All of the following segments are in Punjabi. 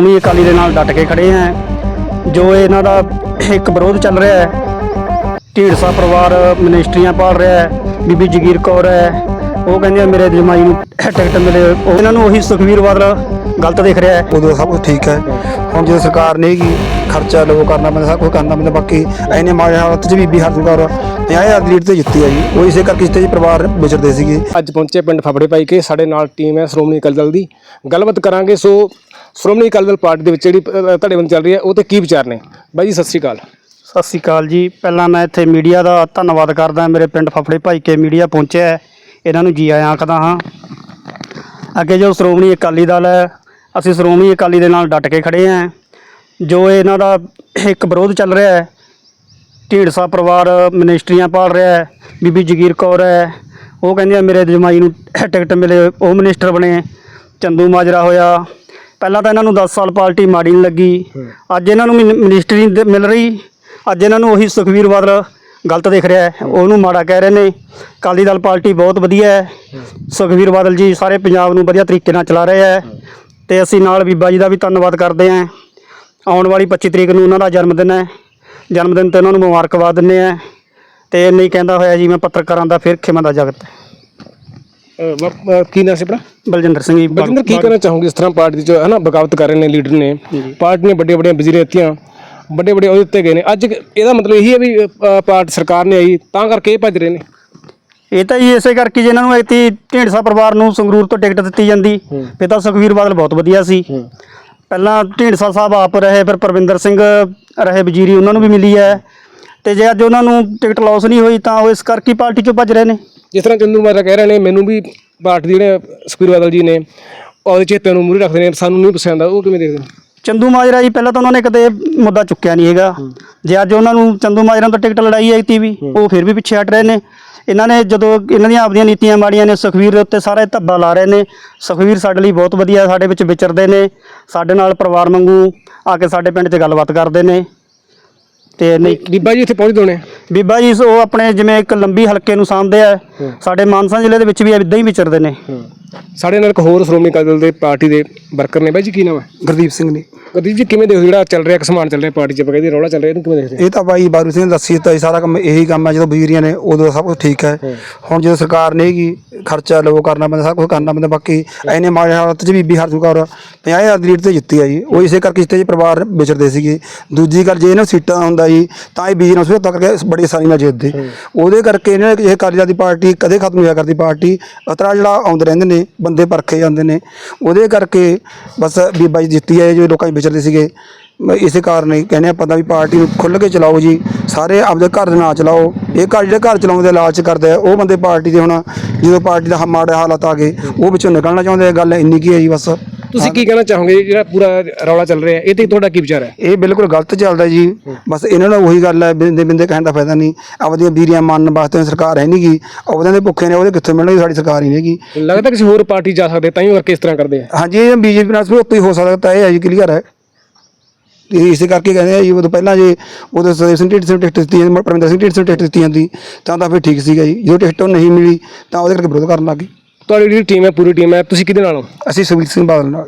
ਸ਼੍ਰੋਮਣੀ ਅਕਾਲੀ ਦੇ ਨਾਲ ਡਟ ਕੇ ਖੜੇ ਹਾਂ। ਜੋ ਇਹਨਾਂ ਦਾ ਇੱਕ ਵਿਰੋਧ ਚੱਲ ਰਿਹਾ ਹੈ, ਢੀਂਡਸਾ ਪਰਿਵਾਰ ਮਿਨਿਸਟਰੀਆਂ ਪਾਲ ਰਿਹਾ ਹੈ, ਬੀਬੀ ਜਗੀਰ ਕੌਰ ਹੈ, ਉਹ ਕਹਿੰਦੇ ਆ ਮੇਰੇ ਜਮਾਈ ਨੂੰ ਟਿਕਟ ਮਿਲੇ, ਉਹ ਇਹਨਾਂ ਨੂੰ ਉਹੀ ਸੁਖਬੀਰ ਬਾਦਲ ਗਲਤ ਦੇਖ ਰਿਹਾ ਹੈ। ਉਦੋਂ ਸਭ ਕੁਝ ਠੀਕ ਹੈ। ਹੁਣ ਜਦੋਂ ਸਰਕਾਰ ਨਹੀਂ ਹੈਗੀ, ਖਰਚਾ ਲੋ ਕਰਨਾ ਪੈਂਦਾ, ਸਭ ਕੁਝ ਕਰਨਾ ਪੈਂਦਾ। ਬਾਕੀ ਐਨੇ ਮਾੜੇ ਹਾਲਤ 'ਚ ਬੀਬੀ ਹਰਜਿੰਦਰ ਕੌਰ 50,000 ਲੀਡ ਤੇ ਜਿੱਤੀ ਆ ਜੀ। ਉਹ ਇਸੇ ਕਰਕੇ ਜਿੱਤੇ ਜੀ, ਪਰਿਵਾਰ ਵਿਚਰਦੇ ਸੀਗੇ। ਅੱਜ ਪਹੁੰਚੇ ਪਿੰਡ ਫਫੜੇ ਭਾਈ ਕੇ, ਸਾਡੇ ਨਾਲ ਟੀਮ ਹੈ ਸ਼੍ਰੋਮਣੀ ਅਕਾਲੀ ਦਲ ਦੀ। ਗੱਲਬਾਤ ਕਰਾਂਗੇ। ਸੋ ਸ਼੍ਰੋਮਣੀ ਅਕਾਲੀ ਦਲ ਪਾਰਟੀ ਦੇ ਵਿੱਚ ਜਿਹੜੀ ਧੜੇਬੰਦੀ ਚੱਲ ਰਹੀ ਹੈ, ਉਹ ਤੇ ਕੀ ਵਿਚਾਰ ਨੇ? ਬਾਈ ਜੀ ਸਤਿ ਸ਼੍ਰੀ ਅਕਾਲ। ਸਤਿ ਸ਼੍ਰੀ ਅਕਾਲ ਜੀ। ਪਹਿਲਾਂ ਮੈਂ ਇੱਥੇ ਮੀਡੀਆ ਦਾ ਧੰਨਵਾਦ ਕਰਦਾ, ਮੇਰੇ ਪਿੰਡ ਫਫੜੇ ਭਾਈ ਕੇ ਮੀਡੀਆ ਪਹੁੰਚਿਆ ਹੈ, ਇਹਨਾਂ ਨੂੰ ਜੀ ਆਇਆਂ ਆਖਦਾ ਹਾਂ। ਅੱਗੇ ਜੋ ਸ਼੍ਰੋਮਣੀ ਅਕਾਲੀ ਦਲ ਹੈ, ਅਸੀਂ ਸ਼੍ਰੋਮਣੀ ਅਕਾਲੀ ਦੇ ਨਾਲ ਡਟ ਕੇ ਖੜੇ ਹਾਂ। ਜੋ ਇਹਨਾਂ ਦਾ ਇੱਕ ਵਿਰੋਧ ਚੱਲ ਰਿਹਾ ਹੈ, ਢੀਂਡਸਾ ਪਰਿਵਾਰ ਮਿਨਿਸਟਰੀਆਂ ਪਾਲ ਰਿਹਾ ਹੈ, ਬੀਬੀ ਜਗੀਰ ਕੌਰ ਹੈ, ਉਹ ਕਹਿੰਦੇ ਆ ਮੇਰੇ ਜਮਾਈ ਨੂੰ ਟਿਕਟ ਮਿਲੇ, ਉਹ ਮਿਨਿਸਟਰ ਬਣੇ। ਚੰਦੂ ਮਾਜਰਾ ਹੋਇਆ। ਪਹਿਲਾਂ ਤਾਂ ਇਹਨਾਂ ਨੂੰ 10 ਸਾਲ ਪਾਰਟੀ ਮਾੜੀ ਨਹੀਂ ਲੱਗੀ, ਅੱਜ ਇਹਨਾਂ ਨੂੰ ਮਿਨਿਸਟਰੀ ਮਿਲ ਰਹੀ, ਅੱਜ ਇਹਨਾਂ ਨੂੰ ਉਹੀ ਸੁਖਬੀਰ ਬਾਦਲ ਗਲਤ ਦੇਖ ਰਿਹਾ ਹੈ, ਉਹਨੂੰ ਮਾੜਾ ਕਹਿ ਰਹੇ ਨੇ। ਅਕਾਲੀ ਦਲ ਪਾਰਟੀ ਬਹੁਤ ਵਧੀਆ ਹੈ, ਸੁਖਬੀਰ ਬਾਦਲ ਜੀ ਸਾਰੇ ਪੰਜਾਬ ਨੂੰ ਵਧੀਆ ਤਰੀਕੇ ਨਾਲ ਚਲਾ ਰਹੇ ਹੈ, ਅਤੇ ਅਸੀਂ ਨਾਲ ਬੀਬਾ ਜੀ ਦਾ ਵੀ ਧੰਨਵਾਦ ਕਰਦੇ ਹਾਂ। ਆਉਣ ਵਾਲੀ 25 ਤਰੀਕ ਨੂੰ ਉਹਨਾਂ ਦਾ ਜਨਮ ਦਿਨ ਹੈ, ਜਨਮ ਦਿਨ 'ਤੇ ਉਹਨਾਂ ਨੂੰ ਮੁਬਾਰਕਬਾਦ ਦਿੰਦੇ ਹਾਂ। ਅਤੇ ਇੰਨਾ ਹੀ ਕਹਿੰਦਾ ਹੋਇਆ ਜੀ, ਮੈਂ ਪੱਤਰਕਾਰਾਂ ਦਾ ਫਿਰ ਖਿਮਾ ਦਾ ਜਗਤ। ਕੀ ਨਾਮ ਸੀ ਆਪਣਾ? ਬਲਜਿੰਦਰ ਸਿੰਘ ਜੀ। ਬਲਜਿੰਦਰ, ਕੀ ਕਹਿਣਾ ਚਾਹੋਗੇ? ਇਸ ਤਰ੍ਹਾਂ ਪਾਰਟੀ ਜੋ ਹੈ ਨਾ ਬਗਾਵਤ ਕਰ ਰਹੇ ਨੇ ਲੀਡਰ ਨੇ, ਪਾਰਟੀ ਨੇ ਵੱਡੀਆਂ ਵੱਡੀਆਂ ਵਜ਼ੀਰ ਦਿੱਤੀਆਂ, ਵੱਡੇ ਵੱਡੇ ਅਹੁਦੇ ਦਿੱਤੇ ਗਏ ਨੇ। ਅੱਜ ਇਹਦਾ ਮਤਲਬ ਇਹੀ ਹੈ ਵੀ ਪਾਰਟੀ ਸਰਕਾਰ ਨੇ ਆਈ ਤਾਂ ਕਰਕੇ ਇਹ ਭੱਜ ਰਹੇ ਨੇ? ਇਹ ਤਾਂ ਜੀ ਇਸੇ ਕਰਕੇ ਜੇ ਇਹਨਾਂ ਨੂੰ ਐਤੀ ਢੀਂਡਸਾ ਪਰਿਵਾਰ ਨੂੰ ਸੰਗਰੂਰ ਤੋਂ ਟਿਕਟ ਦਿੱਤੀ ਜਾਂਦੀ, ਫਿਰ ਤਾਂ ਸੁਖਬੀਰ ਬਾਦਲ ਬਹੁਤ ਵਧੀਆ ਸੀ। ਪਹਿਲਾਂ ਢੀਂਡਸਾ ਸਾਹਿਬ ਆਪ ਰਹੇ, ਫਿਰ ਪਰਵਿੰਦਰ ਸਿੰਘ ਰਹੇ ਵਜ਼ੀਰੀ, ਉਹਨਾਂ ਨੂੰ ਵੀ ਮਿਲੀ ਹੈ। ਅਤੇ ਜੇ ਅੱਜ ਉਹਨਾਂ ਨੂੰ ਟਿਕਟ ਲੋਸ ਨਹੀਂ ਹੋਈ ਤਾਂ ਉਹ ਇਸ ਕਰਕੇ ਪਾਰਟੀ 'ਚੋਂ ਭੱਜ ਰਹੇ ਨੇ। ਜਿਸ ਤਰ੍ਹਾਂ ਚੰਦੂ ਮਾਜਰਾ ਕਹਿ ਰਹੇ ਨੇ, ਮੈਨੂੰ ਵੀ ਪਾਰਟੀ ਦੇ ਜਿਹੜੇ ਸੁਖਬੀਰ ਬਾਦਲ ਜੀ ਨੇ ਉਹਦੇ ਚੇਤੇ ਨੂੰ ਮੂਹਰੇ ਰੱਖਦੇ ਨੇ, ਸਾਨੂੰ ਨਹੀਂ ਪਸੰਦ ਆ, ਉਹ ਕਿਵੇਂ ਦੇਖਦੇ ਨੇ? ਚੰਦੂ ਮਾਜਰਾ ਜੀ ਪਹਿਲਾਂ ਤਾਂ ਉਹਨਾਂ ਨੇ ਕਦੇ ਮੁੱਦਾ ਚੁੱਕਿਆ ਨਹੀਂ ਹੈਗਾ। ਜੇ ਅੱਜ ਉਹਨਾਂ ਨੂੰ ਚੰਦੂ ਮਾਜਰਾ ਤੋਂ ਟਿਕਟ ਲੜਾਈ ਆਈ ਤੀ ਵੀ, ਉਹ ਫਿਰ ਵੀ ਪਿੱਛੇ ਹਟ ਰਹੇ ਨੇ। ਇਹਨਾਂ ਨੇ ਜਦੋਂ ਇਹਨਾਂ ਦੀਆਂ ਆਪਦੀਆਂ ਨੀਤੀਆਂ ਮਾੜੀਆਂ ਨੇ, ਸੁਖਬੀਰ ਦੇ ਉੱਤੇ ਸਾਰੇ ਧੱਬਾ ਲਾ ਰਹੇ ਨੇ। ਸੁਖਬੀਰ ਸਾਡੇ ਲਈ ਬਹੁਤ ਵਧੀਆ, ਸਾਡੇ ਵਿੱਚ ਵਿਚਰਦੇ ਨੇ, ਸਾਡੇ ਨਾਲ ਪਰਿਵਾਰ ਵਾਂਗੂ ਆ ਕੇ ਸਾਡੇ ਪਿੰਡ 'ਚ ਗੱਲਬਾਤ ਕਰਦੇ ਨੇ। ਅਤੇ ਨਹੀਂ, ਬੀਬਾ ਜੀ ਇੱਥੇ ਪਹੁੰਚਦੇ ਹੋਣੇ? ਬੀਬਾ ਜੀ ਉਹ ਆਪਣੇ ਜਿਵੇਂ ਇੱਕ ਲੰਬੀ ਹਲਕੇ ਨੂੰ ਸਾਂਭਦੇ ਆ, ਸਾਡੇ ਮਾਨਸਾ ਜ਼ਿਲ੍ਹੇ ਦੇ ਵਿੱਚ ਵੀ ਇੱਦਾਂ ਹੀ ਵਿਚਰਦੇ ਨੇ। ਸਾਡੇ ਨਾਲ ਇੱਕ ਹੋਰ ਸ਼੍ਰੋਮਣੀ ਅਕਾਲੀ ਦਲ ਦੇ ਪਾਰਟੀ ਦੇ ਵਰਕਰ ਨੇ। ਬਾਈ ਜੀ ਕੀ ਨਾਮ ਹੈ? ਗੁਰਦੀਪ ਸਿੰਘ ਨੇ। ਗੁਰਦੀਪ ਜੀ, ਕਿਵੇਂ ਦੇਖੋ ਜਿਹੜਾ ਚੱਲ ਰਿਹਾ, ਇੱਕ ਸਮਾਨ ਚੱਲ ਰਿਹਾ ਪਾਰਟੀ 'ਚ, ਆਪਾਂ ਕਹਿੰਦੇ ਰੌਲਾ ਚੱਲ ਰਿਹਾ, ਇਹਨੂੰ ਕਿਵੇਂ ਦੇਖਦੇ? ਇਹ ਤਾਂ ਬਾਈ ਬਾਰੂ ਸਿੰਘ ਨੇ ਦੱਸੀ ਦਿੱਤਾ ਜੀ, ਸਾਰਾ ਕੰਮ ਇਹੀ ਕੰਮ ਹੈ। ਜਦੋਂ ਵਜ਼ੀਰੀਆਂ ਨੇ ਉਦੋਂ ਸਭ ਕੁਝ ਠੀਕ ਹੈ। ਹੁਣ ਜਦੋਂ ਸਰਕਾਰ ਨਹੀਂ ਹੈਗੀ, ਖਰਚਾ ਲੋ ਕਰਨਾ ਪੈਂਦਾ, ਸਭ ਕੁਝ ਕਰਨਾ ਪੈਂਦਾ। ਬਾਕੀ ਐਨੇ ਮਾੜੇ ਹਾਲਤ 'ਚ ਬੀਬੀ ਹਰਜਿੰਦਰ ਕੌਰ 50,000 ਲੀਡ ਤੇ ਜਿੱਤੀ ਆ ਜੀ। ਉਹ ਇਸੇ ਕਰਕੇ ਜਿੱਤੇ ਜੀ, ਪਰਿਵਾਰ ਵਿਚਰਦੇ ਸੀਗੇ। ਦੂਜੀ ਗੱਲ, ਜੇ ਇਹਨਾਂ ਸੀਟਾਂ ਹੁੰਦਾ ਜੀ ਤਾਂ ਇਹ ਬੀਜੀ ਨਾਲ ਸਮਝੌਤਾ ਕਰਕੇ ਬੜੀ ਆਸਾਨੀ ਨਾਲ ਜਿੱਤਦੇ। ਉਹਦੇ ਕਰਕੇ ਇਹਨਾਂ ਨੇ ਇਹ ਅਕਾਲੀ ਦਲ ਦੀ ਪਾਰਟੀ ਕਦੇ ਖਤਮ ਹੋਇਆ ਕਰਦੀ। ਪਾਰਟੀ ਅਤਰਾ ਜਿਹੜਾ ਆਉਂਦੇ ਰਹਿੰਦੇ ਨੇ, ਬੰਦੇ ਪਰਖੇ ਜਾਂਦੇ ਨੇ, ਉਹਦੇ ਕਰਕੇ ਬਸ ਬੀਬਾ ਜੀ ਜਿੱਤੀ ਹੈ। ਜੋ ਲੋਕਾਂ 'ਚ ਵਿਚਰਦੇ ਸੀਗੇ, ਇਸੇ ਕਾਰਨ ਹੀ ਕਹਿੰਦੇ ਆਪਾਂ ਤਾਂ ਵੀ ਪਾਰਟੀ ਨੂੰ ਖੁੱਲ੍ਹ ਕੇ ਚਲਾਓ ਜੀ, ਸਾਰੇ ਆਪਦੇ ਘਰ ਦੇ ਨਾਲ ਚਲਾਓ। ਇਹ ਘਰ ਜਿਹੜੇ ਘਰ ਚਲਾਉਂਦੇ ਲਾਲਚ ਕਰਦੇ ਆ, ਉਹ ਬੰਦੇ ਪਾਰਟੀ ਦੇ ਹੁਣ ਜਦੋਂ ਪਾਰਟੀ ਦਾ ਮਾੜੇ ਹਾਲਾਤ ਆ ਗਏ, ਉਹ ਵਿੱਚੋਂ ਨਿਕਲਣਾ ਚਾਹੁੰਦੇ ਆ। ਗੱਲ ਇੰਨੀ ਕੀ ਹੈ ਜੀ ਬਸ। ਤੁਸੀਂ ਕੀ ਕਹਿਣਾ ਚਾਹੋਗੇ ਜਿਹੜਾ ਪੂਰਾ ਰੌਲਾ ਚੱਲ ਰਿਹਾ, ਇਹ 'ਤੇ ਤੁਹਾਡਾ ਕੀ ਵਿਚਾਰ ਹੈ? ਇਹ ਬਿਲਕੁਲ ਗਲਤ ਚੱਲਦਾ ਜੀ। ਬਸ ਇਹਨਾਂ ਨੂੰ ਉਹੀ ਗੱਲ ਹੈ, ਬਿੰਦੇ ਬਿੰਦੇ ਕਹਿਣ ਦਾ ਫਾਇਦਾ ਨਹੀਂ। ਆਪਦੀਆਂ ਵੀਰੀਆਂ ਮੰਨਣ ਵਾਸਤੇ ਸਰਕਾਰ ਹੈ ਨਹੀਂ ਗੀ, ਉਹਦਿਆਂ ਦੇ ਭੁੱਖੇ ਨੇ, ਉਹਦੇ ਕਿੱਥੋਂ ਮਿਲਣਗੇ? ਸਾਡੀ ਸਰਕਾਰ ਹੀ ਨਹੀਂ ਹੈਗੀ। ਲੱਗਦਾ ਕਿਸੇ ਹੋਰ ਪਾਰਟੀ ਜਾ ਸਕਦੇ ਤਾਂ ਹੀ ਕਰਕੇ ਇਸ ਤਰ੍ਹਾਂ ਕਰਦੇ ਆ? ਹਾਂਜੀ, ਇਹ ਬੀਜੇਪੀ ਨਾਲ ਸਮਝੌਤਾ ਹੀ ਹੋ ਸਕਦਾ ਤਾਂ ਇਹ ਹੈ ਜੀ, ਕਲੀਅਰ ਹੈ। ਇਸੇ ਕਰਕੇ ਕਹਿੰਦੇ ਆ ਜੀ, ਉਦੋਂ ਪਹਿਲਾਂ ਜੇ ਉਦੋਂ ਸਰਦੇਵ ਸਿੰਘ ਢੀਂਡਸੇ ਨੂੰ ਟਿਕਟ ਦਿੱਤੀ ਜਾਂਦੀ, ਪਰਮਿੰਦਰ ਸਿੰਘ ਢੀਂਡਸੇ ਨੂੰ ਟਿਕਟ ਦਿੱਤੀ ਜਾਂਦੀ ਤਾਂ ਫਿਰ ਠੀਕ ਸੀਗਾ ਜੀ। ਜਦੋਂ ਟਿਕਟ ਨਹੀਂ ਮਿਲੀ ਤਾਂ ਉਹਦੇ ਕਰਕੇ ਵਿਰੋਧ ਕਰਨ ਲੱਗ ਗਏ। ਤੁਹਾਡੀ ਜਿਹੜੀ ਟੀਮ ਹੈ, ਪੂਰੀ ਟੀਮ ਹੈ, ਤੁਸੀਂ ਕਿਹਦੇ ਨਾਲ ਹੋ? ਅਸੀਂ ਸੁਖਬੀਰ ਸਿੰਘ ਬਾਦਲ ਨਾਲ।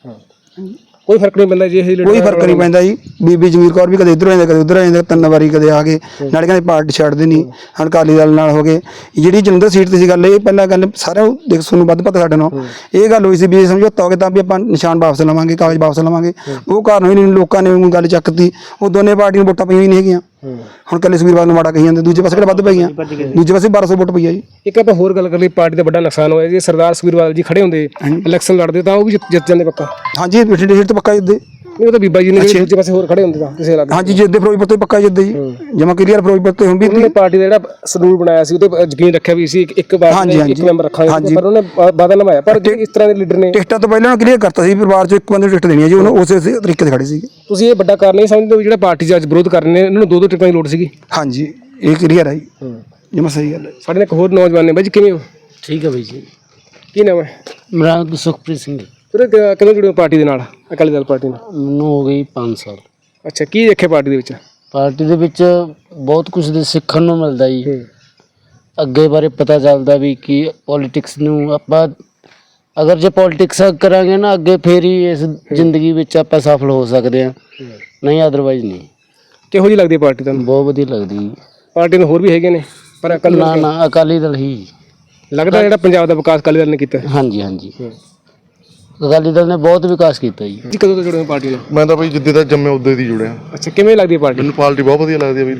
ਕੋਈ ਫਰਕ ਨਹੀਂ ਪੈਂਦਾ ਜੀ? ਇਹ ਕੋਈ ਫਰਕ ਨਹੀਂ ਪੈਂਦਾ ਜੀ। ਬੀਬੀ ਜਗੀਰ ਕੌਰ ਵੀ ਕਦੇ ਇੱਧਰ ਆਉਂਦੇ, ਕਦੇ ਉੱਧਰ ਆਉਂਦੇ, 3 ਵਾਰੀ ਕਦੇ ਆ ਗਏ। ਨਾਲੇ ਕਹਿੰਦੇ ਪਾਰਟੀ ਛੱਡਦੇ ਨਹੀਂ, ਹੁਣ ਅਕਾਲੀ ਦਲ ਨਾਲ ਹੋ ਗਏ। ਜਿਹੜੀ ਜਲੰਧਰ ਸੀਟ 'ਤੇ ਸੀ ਗੱਲ, ਇਹ ਪਹਿਲਾਂ ਗੱਲ ਸਾਰਿਆਂ ਨੂੰ ਦੇਖ, ਤੁਹਾਨੂੰ ਵੱਧ ਪਤਾ ਸਾਡੇ ਨਾਲ ਇਹ ਗੱਲ ਹੋਈ ਸੀ ਵੀ ਸਮਝੌਤਾ ਹੋ ਗਿਆ ਤਾਂ ਵੀ ਆਪਾਂ ਨਿਸ਼ਾਨ ਵਾਪਸ ਲਵਾਂਗੇ, ਕਾਗਜ਼ ਵਾਪਸ ਲਵਾਂਗੇ। ਉਹ ਕਾਰਨ ਹੋਈ ਨਹੀਂ, ਲੋਕਾਂ ਨੇ ਗੱਲ ਚੱਕਤੀ। ਉਹ ਦੋਨੇ ਪਾਰਟੀਆਂ ਨੂੰ ਵੋਟਾਂ ਪਈਆਂ ਹੀ ਨਹੀਂ ਹੈਗੀਆਂ। ਹੁਣ ਕੱਲੇ ਸੁਖਬੀਰ ਬਾਦਲ ਨੂੰ ਮਾੜਾ ਕਹੀ ਜਾਂਦੇ, ਦੂਜੇ ਪਾਸੇ ਕਿਹੜਾ ਵੱਧ ਪਈਆਂ? ਦੂਜੇ ਪਾਸੇ 1200 ਵੋਟ ਪਈ ਆ ਜੀ। ਇੱਕ ਆਪਾਂ ਹੋਰ ਗੱਲ ਕਰ ਲਈ, ਪਾਰਟੀ ਦਾ ਵੱਡਾ ਨੁਕਸਾਨ ਹੋਇਆ ਜੀ। ਸਰਦਾਰ ਸੁਖਬੀਰ ਬਾਦਲ ਜੀ ਖੜੇ ਹੁੰਦੇ, ਇਲੈਕਸ਼ਨ ਲੜਦੇ ਤਾਂ ਉਹ ਵੀ ਜਿੱਤ ਜਾਂਦੇ ਪੱਕਾ। ਹਾਂਜੀ, ਬਠਿੰਡੇ ਸੀਟ ਤੋਂ ਪੱਕਾ ਜਿੱਤਦੇ। ਉਹ ਤਾਂ ਬੀਬਾ ਜੀ ਨੇ ਦੂਜੇ ਪਾਸੇ ਹੋਰ ਖੜੇ ਹੁੰਦੇ ਤਾਂ ਕਿਸੇ ਇਲਾਕੇ। ਹਾਂਜੀ, ਜਿੱਦੇ ਫਿਰੋਜ਼ਪੁਰ ਤੋਂ ਪੱਕਾ ਜਿੱਤਦੇ ਜੀ, ਜਮਾ ਕਲੀਅਰ ਫਿਰੋਜ਼ਪੁਰ ਤੋਂ। ਹੁਣ ਵੀ ਪਾਰਟੀ ਦਾ ਜਿਹੜਾ ਸ਼ਡਿਊਲ ਬਣਾਇਆ ਸੀ, ਉਹਦੇ ਯਕੀਨ ਰੱਖਿਆ ਵੀ ਸੀ ਇੱਕ ਵਾਰ ਇੱਕ ਮੈਂਬਰ ਰੱਖਾਂਗੇ, ਪਰ ਉਹਨੇ ਵਾਅਦਾ ਨਿਭਾਇਆ। ਪਰ ਇਸ ਤਰ੍ਹਾਂ ਦੇ ਲੀਡਰ ਨੇ ਟਿਕਟਾਂ ਤੋਂ ਪਹਿਲਾਂ ਕਲੀਅਰ ਕਰਤਾ ਸੀ, ਪਰਿਵਾਰ 'ਚੋਂ ਇੱਕ ਬੰਦੇ ਨੂੰ ਟਿਕਟ ਦੇਣੀ ਹੈ ਜੀ, ਉਹਨੂੰ ਉਸੇ ਤਰੀਕੇ ਤੇ ਖੜੇ ਸੀਗੇ। ਤੁਸੀਂ ਇਹ ਵੱਡਾ ਕਾਰਨ ਨਹੀਂ ਸਮਝਦੇ ਵੀ ਜਿਹੜਾ ਪਾਰਟੀ 'ਚ ਅੱਜ ਵਿਰੋਧ ਕਰ ਰਹੇ ਨੇ, ਇਹਨਾਂ ਨੂੰ 2-2 ਟਿਕਟਾਂ ਦੀ ਲੋੜ ਸੀਗੀ? ਹਾਂਜੀ, ਇਹ ਕਲੀਅਰ ਹੈ ਜੀ, ਜਮਾ ਸਹੀ ਗੱਲ ਹੈ। ਸਾਡੇ ਨਾਲ ਇੱਕ ਹੋਰ ਨੌਜਵਾਨ ਨੇ। ਬਾਈ ਜੀ ਕਿਵੇਂ ਹੋ? ਠੀਕ ਹੈ ਬਾਈ ਜੀ। ਕੀ ਨਾਮ ਹੈ? ਮੇਰਾ ਨਾਮ ਸੁਖਪ੍ਰੀਤ ਸਿੰਘ। ਫਿਰ ਕਦੋਂ ਜੁੜੇ ਹੋ ਪਾਰਟੀ ਦੇ ਨਾਲ, ਅਕਾਲੀ ਦਲ ਪਾਰਟੀ ਨਾਲ? ਮੈਨੂੰ ਹੋ ਗਈ 5 ਸਾਲ। ਅੱਛਾ, ਕੀ ਦੇਖਿਆ ਪਾਰਟੀ ਦੇ ਵਿੱਚ? ਪਾਰਟੀ ਦੇ ਵਿੱਚ ਬਹੁਤ ਕੁਝ ਸਿੱਖਣ ਨੂੰ ਮਿਲਦਾ ਜੀ। ਅੱਗੇ ਬਾਰੇ ਪਤਾ ਚੱਲਦਾ ਵੀ ਕਿ ਪੋਲੀਟਿਕਸ ਨੂੰ ਆਪਾਂ ਅਗਰ ਜੇ ਪੋਲਿਟਿਕਸ ਕਰਾਂਗੇ ਨਾ ਅੱਗੇ ਫੇਰ ਹੀ ਇਸ ਜ਼ਿੰਦਗੀ ਵਿੱਚ ਆਪਾਂ ਸਫਲ ਹੋ ਸਕਦੇ ਹਾਂ, ਨਹੀਂ ਅਦਰਵਾਈਜ਼ ਨਹੀਂ। ਕਿਹੋ ਜਿਹੀ ਲੱਗਦੀ ਹੈ ਪਾਰਟੀ ਤੁਹਾਨੂੰ? ਬਹੁਤ ਵਧੀਆ ਲੱਗਦੀ। ਪਾਰਟੀ ਨੂੰ ਹੋਰ ਵੀ ਹੈਗੇ ਨੇ ਪਰ ਅਕਾਲੀ ਨਾ ਦਲ ਨਾ ਅਕਾਲੀ ਦਲ ਹੀ ਲੱਗਦਾ ਜਿਹੜਾ ਪੰਜਾਬ ਦਾ ਵਿਕਾਸ ਅਕਾਲੀ ਦਲ ਨੇ ਕੀਤਾ। ਹਾਂਜੀ ਹਾਂਜੀ, ਅਕਾਲੀ ਦਲ ਨੇ ਬਹੁਤ ਵਿਕਾਸ ਕੀਤਾ ਜੀ। ਜੀ ਕਦੋਂ ਤੋਂ ਜੁੜੇ ਹੋ ਪਾਰਟੀ ਨਾਲ? ਮੈਂ ਤਾਂ ਬਈ ਜਿੱਦੇ ਦਾ ਜੰਮੇ ਉਦੋਂ ਦੀ ਜੁੜਿਆ। ਅੱਛਾ, ਕਿਵੇਂ ਲੱਗਦੀ ਹੈ ਪਾਰਟੀ? ਮੈਨੂੰ ਪਾਰਟੀ ਬਹੁਤ ਵਧੀਆ ਲੱਗਦੀ ਹੈ ਬਈ।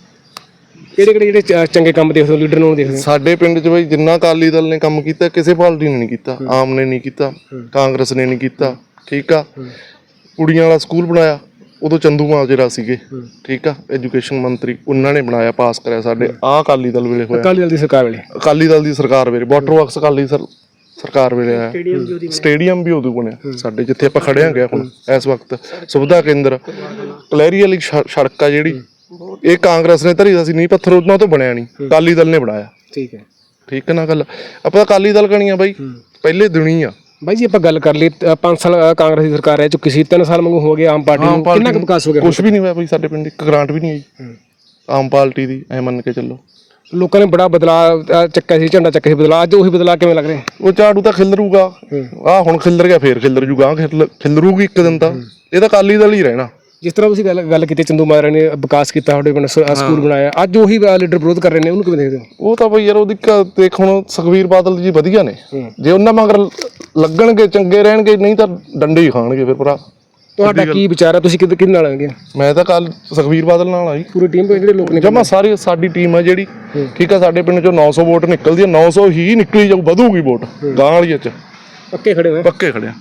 ਕਿਹੜੇ ਕਿਹੜੇ ਜਿਹੜੇ ਚੰਗੇ ਕੰਮ ਦੇਖਦੇ ਹੋ, ਲੀਡਰ ਨੂੰ ਦੇਖਦੇ ਹੋ? ਸਾਡੇ ਪਿੰਡ 'ਚ ਬਈ ਜਿੰਨਾ ਅਕਾਲੀ ਦਲ ਨੇ ਕੰਮ ਕੀਤਾ ਕਿਸੇ ਪਾਰਟੀ ਨੇ ਨਹੀਂ ਕੀਤਾ। ਆਮ ਨੇ ਨਹੀਂ ਕੀਤਾ, ਕਾਂਗਰਸ ਨੇ ਨਹੀਂ ਕੀਤਾ, ਠੀਕ ਆ। ਕੁੜੀਆਂ ਵਾਲਾ ਸਕੂਲ ਬਣਾਇਆ, ਉਦੋਂ ਚੰਦੂ ਮਾਜਰਾ ਸੀਗੇ, ਠੀਕ ਆ, ਐਜੂਕੇਸ਼ਨ ਮੰਤਰੀ, ਉਹਨਾਂ ਨੇ ਬਣਾਇਆ, ਪਾਸ ਕਰਿਆ ਸਾਡੇ। ਆਹ ਅਕਾਲੀ ਦਲ ਵੇਲੇ ਹੋਇਆ, ਅਕਾਲੀ ਦਲ ਦੀ ਸਰਕਾਰ ਵੇਲੇ। ਅਕਾਲੀ ਦਲ ਦੀ ਸਰਕਾਰ ਵੇਲੇ ਵਾਟਰ ਵਰਕਸ ਅਕਾਲੀ ਸਰਕਾਰ ਵੇਲੇ ਆਇਆ। ਸਟੇਡੀਅਮ ਵੀ ਉਦੋਂ ਬਣਿਆ ਸਾਡੇ, ਜਿੱਥੇ ਆਪਾਂ ਖੜੇ ਹਾਂ ਹੁਣ ਇਸ ਵਕਤ। ਸੁਵਿਧਾ ਕੇਂਦਰ, ਕਲੈਰੀ ਵਾਲੀ ਸੜਕ ਆ ਜਿਹੜੀ, ਇਹ ਕਾਂਗਰਸ ਨੇ ਧਰੀ ਸੀ, ਨਹੀਂ ਪੱਥਰ ਉਹਨਾਂ ਤੋਂ ਬਣਿਆ ਨਹੀਂ, ਅਕਾਲੀ ਦਲ ਨੇ ਬਣਾਇਆ। ਠੀਕ ਹੈ, ਠੀਕ ਹੈ ਨਾ ਗੱਲ। ਆਪਾਂ ਅਕਾਲੀ ਦਲ ਕਣੀਆਂ ਬਾਈ ਪਹਿਲੇ ਦਿਨੀ ਆ ਬਾਈ ਜੀ। ਆਪਾਂ ਗੱਲ ਕਰ ਲਈ 5 ਸਾਲ ਕਾਂਗਰਸ ਦੀ ਸਰਕਾਰ ਰਹਿ ਚੁੱਕੀ ਸੀ, 3 ਸਾਲ ਵਾਂਗੂ ਹੋ ਗਏ ਆਮ ਪਾਰਟੀ ਨੂੰ, ਕਿੰਨਾ ਕੁ ਵਿਕਾਸ ਹੋ ਗਿਆ? ਕੁਛ ਵੀ ਨਹੀਂ ਹੋਇਆ ਬਈ ਸਾਡੇ ਪਿੰਡ, ਇੱਕ ਗ੍ਰਾਂਟ ਵੀ ਨਹੀਂ ਆਈ ਆਮ ਪਾਰਟੀ ਦੀ, ਐ ਮੰਨ ਕੇ ਚੱਲੋ। ਲੋਕਾਂ ਨੇ ਬੜਾ ਬਦਲਾਅ ਚੱਕਿਆ ਸੀ, ਝੰਡਾ ਚੱਕਿਆ ਸੀ ਬਦਲਾਅ, ਅੱਜ ਉਹੀ ਬਦਲਾਅ ਕਿਵੇਂ ਲੱਗ ਰਿਹਾ? ਉਹ ਝਾੜੂ ਤਾਂ ਖਿਲਰੂਗਾ, ਆਹ ਹੁਣ ਖਿਲਰ ਗਿਆ, ਫੇਰ ਖਿਲਰ ਜੂਗਾ, ਖਿਲਰੂਗੀ ਇੱਕ ਦਿਨ ਤਾਂ। ਇਹ ਤਾਂ ਅਕਾਲੀ ਦਲ ਹੀ ਰਹਿਣਾ। ਜਿਸ ਤਰ੍ਹਾਂ ਤੁਸੀਂ ਗੱਲ ਕੀਤੀ, ਚੰਦੂ ਮਾਜਰਾ ਨੇ ਵਿਕਾਸ ਕੀਤਾ, ਸਾਡੇ ਪਿੰਡ ਸਕੂਲ ਬਣਾਇਆ, ਅੱਜ ਉਹੀ ਲੀਡਰ ਵਿਰੋਧ ਕਰ ਰਹੇ ਨੇ, ਉਹਨੂੰ ਕਿਵੇਂ ਦੇਖਦੇ ਹੋ? ਉਹ ਤਾਂ ਬਈ ਯਾਰ ਉਹਦੀ ਦੇਖ, ਹੁਣ ਸੁਖਬੀਰ ਬਾਦਲ ਜੀ ਵਧੀਆ ਨੇ, ਜੇ ਉਹਨਾਂ ਮਗਰ ਲੱਗਣਗੇ ਚੰਗੇ ਰਹਿਣਗੇ, ਨਹੀਂ ਤਾਂ ਡੰਡੇ ਹੀ ਖਾਣਗੇ ਫਿਰ ਭਰਾ। ਤੁਹਾਡਾ ਕੀ ਵਿਚਾਰ ਹੈ? ਤੁਸੀਂ ਕਿਹਦੇ ਨਾਲ ਆਣਗੇ? ਮੈਂ ਤਾਂ ਕੱਲ ਸੁਖਬੀਰ ਬਾਦਲ ਨਾਲ ਆਈ, ਪੂਰੀ ਟੀਮ ਤੋਂ ਜਿਹੜੇ ਲੋਕ ਨੇ ਜਮਾ ਸਾਰੀ ਸਾਡੀ ਟੀਮ ਹੈ ਜਿਹੜੀ, ਠੀਕ ਆ। ਸਾਡੇ ਪਿੰਡ ਚੋਂ 900 ਵੋਟ ਨਿਕਲਦੀ ਹੈ, 900 ਹੀ ਨਿਕਲੀ ਜਾਊ, ਵਧੂਗੀ ਵੋਟ ਗਾਂ ਵਾਲੀਆਂ ਚ, ਪੱਕੇ ਖੜੇ ਹੋਏ। ਪੱਕੇ ਖੜਿਆ।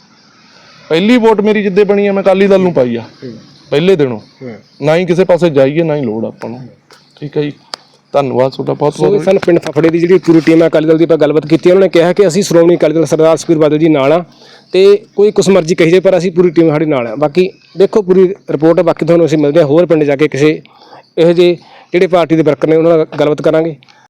ਪਹਿਲੀ ਵੋਟ ਮੇਰੀ ਜਿੱਦੇ ਬਣੀ ਆ, ਮੈਂ ਅਕਾਲੀ ਦਲ ਨੂੰ ਪਾਈ ਆ ਪਹਿਲੇ ਦਿਨੋਂ, ਨਾ ਹੀ ਕਿਸੇ ਪਾਸੇ ਜਾਈਏ, ਨਾ ਹੀ ਲੋੜ ਆਪਾਂ ਨੂੰ। ਠੀਕ ਹੈ ਜੀ, ਧੰਨਵਾਦ ਤੁਹਾਡਾ ਬਹੁਤ ਬਹੁਤ। ਸਾਨੂੰ ਪਿੰਡ ਫਫੜੇ ਦੀ ਜਿਹੜੀ ਪੂਰੀ ਟੀਮ ਹੈ ਅਕਾਲੀ ਦਲ ਦੀ, ਆਪਾਂ ਗੱਲਬਾਤ ਕੀਤੀ, ਉਹਨਾਂ ਨੇ ਕਿਹਾ ਕਿ ਅਸੀਂ ਸ਼੍ਰੋਮਣੀ ਅਕਾਲੀ ਦਲ ਸਰਦਾਰ ਸੁਖਬੀਰ ਬਾਦਲ ਜੀ ਨਾਲ ਆ, ਤੇ ਕੋਈ ਕੁਛ ਮਰਜ਼ੀ ਕਹੀ ਜਾਏ ਪਰ ਅਸੀਂ ਪੂਰੀ ਟੀਮ ਸਾਡੇ ਨਾਲ ਆ। ਬਾਕੀ ਦੇਖੋ ਪੂਰੀ ਰਿਪੋਰਟ, ਬਾਕੀ ਤੁਹਾਨੂੰ ਅਸੀਂ ਮਿਲਦੇ ਹਾਂ ਹੋਰ ਪਿੰਡ ਜਾ ਕੇ ਕਿਸੇ ਇਹੋ ਜਿਹੇ ਜਿਹੜੇ ਪਾਰਟੀ ਦੇ ਵਰਕਰ ਨੇ ਉਹਨਾਂ ਨਾਲ ਗੱਲਬਾਤ ਕਰਾਂਗੇ।